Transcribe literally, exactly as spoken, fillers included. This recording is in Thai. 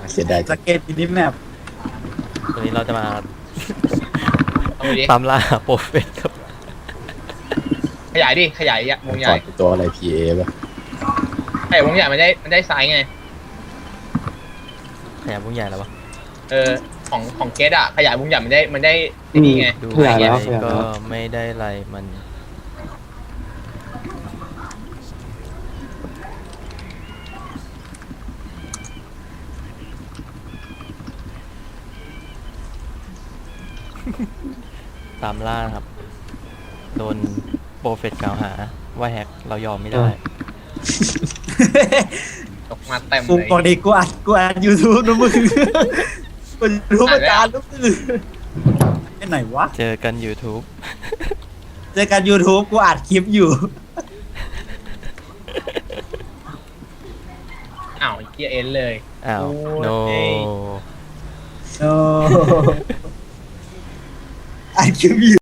เสียดายสจังเกตมินิแมปวันนี้เราจะมาเอาไปดิตามล่าหาโปรเฟสครับขยายดิขยายวงใหก่ญ่อนตัวอะไร พี เอ ป่ะขยายวงใหญ่มันได้มันได้ไซส์ไงขยับวงใหญ่แล้ววะเออของของเกตอะขยายวงใหญ่มันได้มันได้ไอ้นี่ไงดูขยายแล้วไงขยายก็แล้วไม่ได้อะไรมันตามล่าครับ โดนโปรเฟสกล่าวหาว่าแฮกเรายอมไม่ได้ตกมาเต็มกูเลยปกติกูอัดกูอัดยูทูบนะมึงกูรู้ประจานลูกอื่นไอ้ไหนวะเจอกัน YouTube เจอกัน YouTube กูอัดคลิปอยู่อ้าวไอ้เกียเอ็นเลยอ้าวโอ้ย no โอ้อัดคลิปอยู่